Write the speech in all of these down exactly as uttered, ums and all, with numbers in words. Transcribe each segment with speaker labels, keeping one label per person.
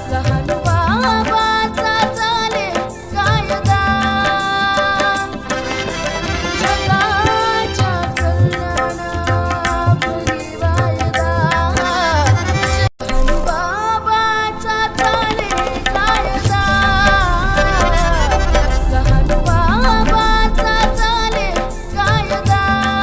Speaker 1: लहान बाबाचा चाले कायदा जगाच्या कल्याणापुरी वायदा लहान बाबाचा चाले कायदा लहान बाबाचा चाले कायदा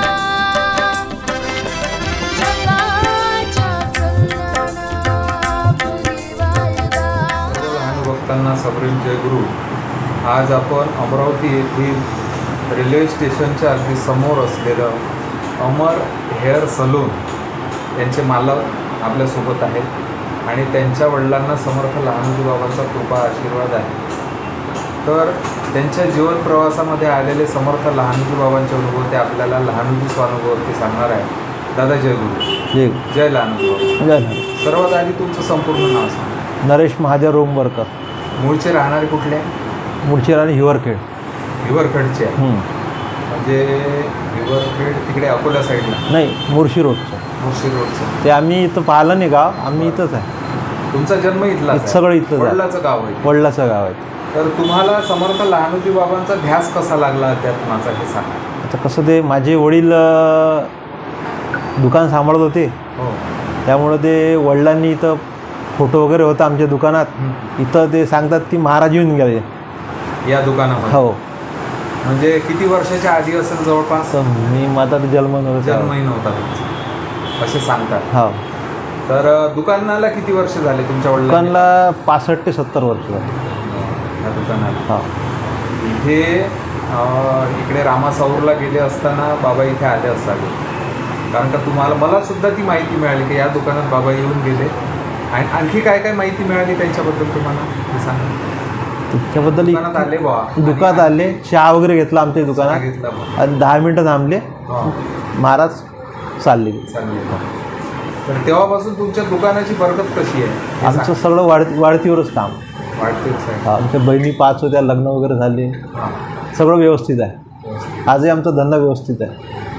Speaker 1: जगाच्या कल्याणापुरी वायदा.
Speaker 2: लहान भक्तांना सप्रेम जयगुरु. आज आपण अमरावती येथील रेल्वे स्टेशनच्या अगदी समोर असलेलं अमर हेअर सलून यांचे मालक आपल्यासोबत आहेत आणि त्यांच्या वडिलांना समर्थ लहानोजी बाबांचा कृपा आशीर्वाद आहे. तर त्यांच्या जीवन प्रवासामध्ये आलेले समर्थ लहानोजी बाबांचे अनुभव ते आपल्याला लहानोजी स्वानुभवावरती सांगणार आहे. दादा जयगुरु.
Speaker 3: जय
Speaker 2: जय लहानोजी बाबा.
Speaker 3: जय नारायण.
Speaker 2: सर्वात आधी तुमचं संपूर्ण नाव सांगा.
Speaker 3: नरेश महादेव रोमवरकर,
Speaker 2: मूळचे राहणारे कुठले?
Speaker 3: मुळचीर आणि हिवरखेड.
Speaker 2: हिवरखेडचे आहे.
Speaker 3: हं.
Speaker 2: म्हणजे हिवरखेड तिकडे अकोला साईडला
Speaker 3: नाही, मुळशी रोडचं.
Speaker 2: मुर्शी रोडचं.
Speaker 3: ते आम्ही इथं पाहिलं नाही गाव, आम्ही इथंच आहे.
Speaker 2: तुमचा जन्म इथला
Speaker 3: इथं सगळं इथलंच आहे.
Speaker 2: वडिलाचं गाव आहे.
Speaker 3: वडिलाचं गाव आहे.
Speaker 2: तर तुम्हाला समर्थ लहानोजी बाबांचा ध्यास कसा लागला अध्यात्माचा हे सांगा.
Speaker 3: आता कसं ते माझे वडील अं, दुकान सांभाळत होते,
Speaker 2: हो.
Speaker 3: त्यामुळं ते वडिलांनी इथं फोटो वगैरे होता आमच्या दुकानात. इथं ते सांगतात की महाराज येऊन गेले
Speaker 2: या दुकानामध्ये.
Speaker 3: हो.
Speaker 2: म्हणजे किती वर्षाच्या आधी असेल जवळपास?
Speaker 3: तर मी माझा जन्म नव्हता.
Speaker 2: जन्मही नव्हता तुमचा असे सांगतात.
Speaker 3: हो.
Speaker 2: तर अ, दुकानाला किती वर्ष झाले तुमच्या वडिलांना?
Speaker 3: दुकानला पासष्ट ते सत्तर वर्ष झाली.
Speaker 2: या दुकानाला
Speaker 3: हो.
Speaker 2: इथे अ, इकडे रामासाऊरला गेले असताना बाबा इथे आले असावे, कारण का तुम्हाला मला सुद्धा ती माहिती मिळाली की या दुकानात बाबा येऊन गेले. आणि आणखी काय काय माहिती मिळाली त्यांच्याबद्दल तुम्हाला ते सांगा.
Speaker 3: त्याच्याबद्दल
Speaker 2: दुकानात आले बा
Speaker 3: दुकानात आले, चहा वगैरे घेतला आमच्या दुकानात
Speaker 2: सांगितलं बा.
Speaker 3: आणि दहा मिनटं थांबले,
Speaker 2: हा,
Speaker 3: महाराज चालले गेले.
Speaker 2: चांगले. तर तेव्हापासून तुमच्या दुकानाची बरकत कशी आहे हे
Speaker 3: आमचं
Speaker 2: सांगा.
Speaker 3: सगळं वाढ वाढतीवरच काम.
Speaker 2: वाढतेच आहे.
Speaker 3: आमच्या बहिणी पाच होत्या, लग्न वगैरे झाले,
Speaker 2: हां,
Speaker 3: सगळं व्यवस्थित आहे.
Speaker 2: व्यवस्थित.
Speaker 3: आजही आमचा धंदा व्यवस्थित आहे.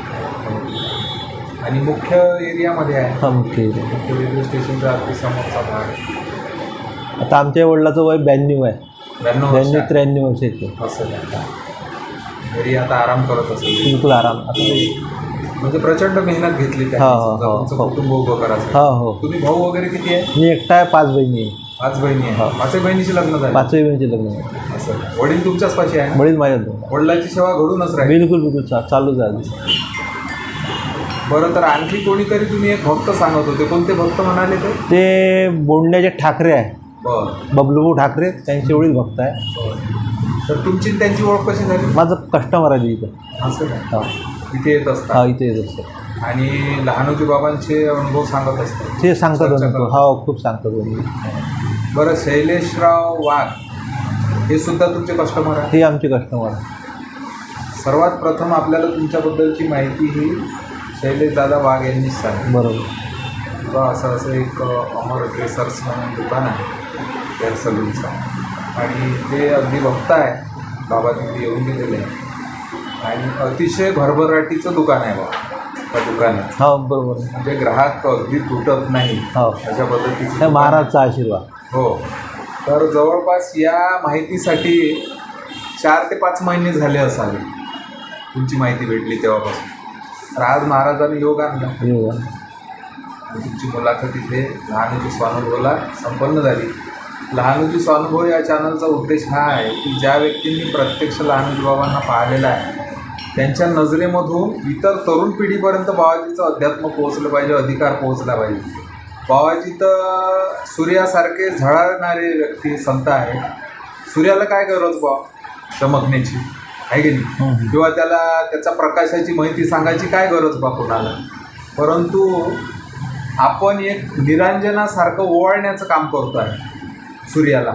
Speaker 2: आणि मुख्य एरियामध्ये आहे.
Speaker 3: हा मुख्य आहे.
Speaker 2: मुख्य रेल्वे स्टेशनच्या अगदी समोरचा भाग.
Speaker 3: आता आमच्या वडिलाचं वय ब्याण्णव आहे.
Speaker 2: ब्याण्णव
Speaker 3: ब्याण्णव
Speaker 2: वर्ष
Speaker 3: त्र्याण्णव वर्षाचे.
Speaker 2: असं आहे. घरी आता आराम करत असेल.
Speaker 3: बिलकुल आराम. आता
Speaker 2: म्हणजे प्रचंड मेहनत घेतली त्या
Speaker 3: हो, हो, हो,
Speaker 2: तुमचं
Speaker 3: हो.
Speaker 2: कुटुंब उभं करायचं.
Speaker 3: हो हो.
Speaker 2: तुम्ही भाऊ वगैरे किती आहे?
Speaker 3: मी एकटा आहे, पाच बहिणी आहे.
Speaker 2: पाच बहिणी आहे.
Speaker 3: हो.
Speaker 2: पाचही बहिणीचे लग्न झाले.
Speaker 3: पाचही बहिणीचे लग्न आहे.
Speaker 2: असं. वडील तुमच्याच पाशी आहे?
Speaker 3: वडील माझ्या दोन.
Speaker 2: वडिलांची सेवा घडूनच राहील.
Speaker 3: बिलकुल बिलकुल चा चालूच आहे.
Speaker 2: बरं, तर आणखी कोणीतरी तुम्ही एक भक्त सांगत होते, कोणते भक्त म्हणाले ते?
Speaker 3: ते बोंड्याचे ठाकरे आहे,
Speaker 2: बरं.
Speaker 3: बबलूभाऊ ठाकरे, त्यांचे वडील भक्त आहे.
Speaker 2: तर तुमची आणि त्यांची ओळख कशी झाली?
Speaker 3: माझं कस्टमर आहे इथं.
Speaker 2: असं काय?
Speaker 3: हा
Speaker 2: इथे येत असतात
Speaker 3: हा इथे येत असतं.
Speaker 2: आणि लहानोजी बाबांचे अनुभव सांगत असतात.
Speaker 3: ते सांगतात
Speaker 2: चर्चा
Speaker 3: अनुभव.
Speaker 2: करतात.
Speaker 3: हो, खूप सांगतात अनुभव.
Speaker 2: बरं, शैलेशराव वाघ हे सुद्धा तुमचे कस्टमर आहे?
Speaker 3: हे आमचे कस्टमर आहे.
Speaker 2: सर्वात प्रथम आपल्याला तुमच्याबद्दलची माहिती ही शैलेशदादा वाघ यांनीच सांगितली.
Speaker 3: बरोबर.
Speaker 2: किंवा असं असं एक अमर ड्रेसर्स म्हणून दुकान आहे हेअर सलूनचं, आणि ते अगदी भक्त आहे. बाबा तिथे येऊन गेलेले आहे आणि अतिशय भरभराटीचं दुकान आहे बाबा त्या दुकानात.
Speaker 3: हो बरोबर.
Speaker 2: म्हणजे ग्राहक अगदी तुटत नाही
Speaker 3: हो,
Speaker 2: अशा पद्धतीचं
Speaker 3: हे महाराजचा आशीर्वाद.
Speaker 2: हो. तर जवळपास या माहितीसाठी चार ते पाच महिने झाले असावे तुमची माहिती भेटली तेव्हापासून. तर आज महाराजांनी योग आणला.
Speaker 3: हो.
Speaker 2: तुमची मुलाखत इथे लहानोजी स्वानुभवला संपन्न झाली. लहानोजी स्वानुभव या चॅनलचा उद्देश हा आहे की ज्या व्यक्तींनी प्रत्यक्ष लहानोजी बाबांना पाहिलेलं आहे त्यांच्या नजरेमधून इतर तरुण पिढीपर्यंत बाबाजीचं अध्यात्म पोहोचलं पाहिजे, अधिकार पोहोचला पाहिजे. बाबाजी तर सूर्यासारखे झळाळणारे व्यक्ती संत आहेत. सूर्याला काय गरज बा चमकण्याची आहे की नाही, किंवा त्याला त्याचा प्रकाशाची माहिती सांगायची काय गरज बा कोणाला. परंतु आपण एक निरांजनासारखं ओवाळण्याचं काम करतो आहे सूर्याला.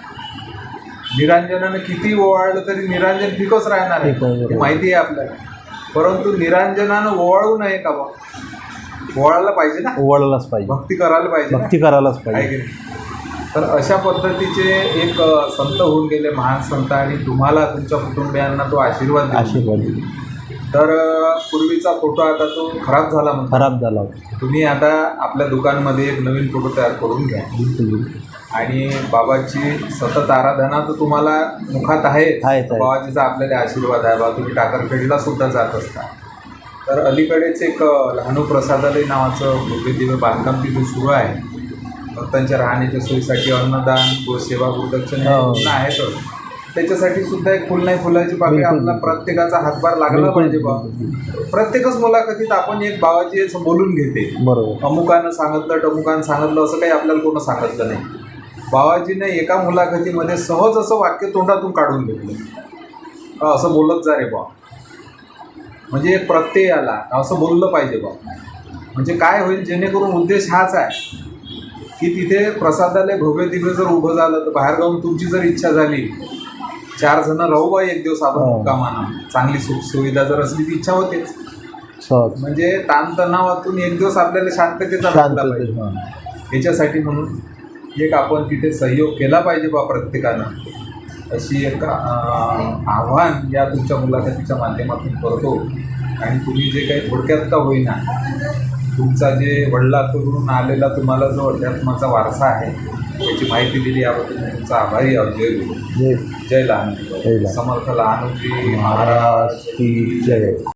Speaker 2: निरांजनानं किती ओवाळलं तरी निरांजन फिकच राहणार आहे, हे माहिती आहे आपल्याला. परंतु निरांजनानं ओवाळू नये का बा? ओवाळायला पाहिजे ना,
Speaker 3: ओवाळायलाच पाहिजे,
Speaker 2: भक्ती करायला पाहिजे,
Speaker 3: भक्ती करायलाच
Speaker 2: आहे
Speaker 3: पाहिजे.
Speaker 2: की नाही. तर अशा पद्धतीचे एक संत होऊन गेले, महान संत, आणि तुम्हाला तुमच्या कुटुंबियांना तो आशीर्वाद देतो.
Speaker 3: आशीर्वाद.
Speaker 2: तर पूर्वीचा फोटो आता तो खराब झाला म्हणतो.
Speaker 3: खराब झाला होता.
Speaker 2: तुम्ही आता आपल्या दुकानमध्ये एक नवीन फोटो तयार करून घ्या.
Speaker 3: बिलकुल.
Speaker 2: आणि बाबाची सतत आराधना तर तुम्हाला मुखात आहे.
Speaker 3: आहेच आहे.
Speaker 2: बाबाजीचा आपल्याला आशीर्वाद आहे. बा तुम्ही टाकरखेडला सुद्धा जात असता. तर अलीकडेच एक अ, लहानू प्रसादालय नावाचं भव्य दिव्य बांधकाम तिथे सुरू आहे. भक्तांच्या राहण्याच्या सोयीसाठी अन्नदान, गोसेवा, गुरुदक्षिणा हे
Speaker 3: हो.
Speaker 2: पूर्ण आहेतच. त्याच्यासाठी सुद्धा एक फुल नाही फुलाची पाकळी
Speaker 3: बिलकुल.
Speaker 2: आपला प्रत्येकाचा हातभार लागला
Speaker 3: बिलकुल.
Speaker 2: पाहिजे बा. प्रत्येकच मुलाखतीत आपण एक बाबाजी असं बोलून घेते.
Speaker 3: बरोबर.
Speaker 2: अमुकानं सांगितलं टमुकानं सांगितलं असं काही आपल्याला कोणं सांगितलं नाही. बाबाजीने एका मुलाखतीमध्ये सहज असं वाक्य तोंडातून काढून घेतलं. अ, असं बोलत जा रे बा. म्हणजे एक प्रत्यय आला असं बोललं पाहिजे बा. म्हणजे काय होईल, जेणेकरून उद्देश हाच आहे की तिथे प्रसादालय भव्य दिव्य जर उभं झालं तर बाहेर जाऊन तुमची जर इच्छा झाली, चार जण राहू बा एक दिवस आपण
Speaker 3: हो.
Speaker 2: मुक्कामानं, चांगली सुख सुविधा जर असली ती इच्छा होतेच.
Speaker 3: सहज
Speaker 2: म्हणजे ताणतणावातून एक दिवस आपल्याला शांततेचा
Speaker 3: शांत
Speaker 2: भेटला पाहिजे. याच्यासाठी म्हणून एक आपण तिथे सहयोग केला पाहिजे बा प्रत्येकानं, अशी एक अं, आव्हान या तुमच्या मुलाखतीच्या माध्यमातून करतो. आणि तुम्ही जे काही थोडक्यात का होईना तुमचा जे वडिलांकडून आलेला तुम्हाला जो अध्यात्माचा वारसा आहे याची माहिती दिली, याबद्दल मी तुमचा आभारी आहोत. जय गुरु,
Speaker 3: जय
Speaker 2: जय लहानजी.
Speaker 3: जय लहानजी.
Speaker 2: समर्थ लहानजी महाराज
Speaker 3: महाराज की जय.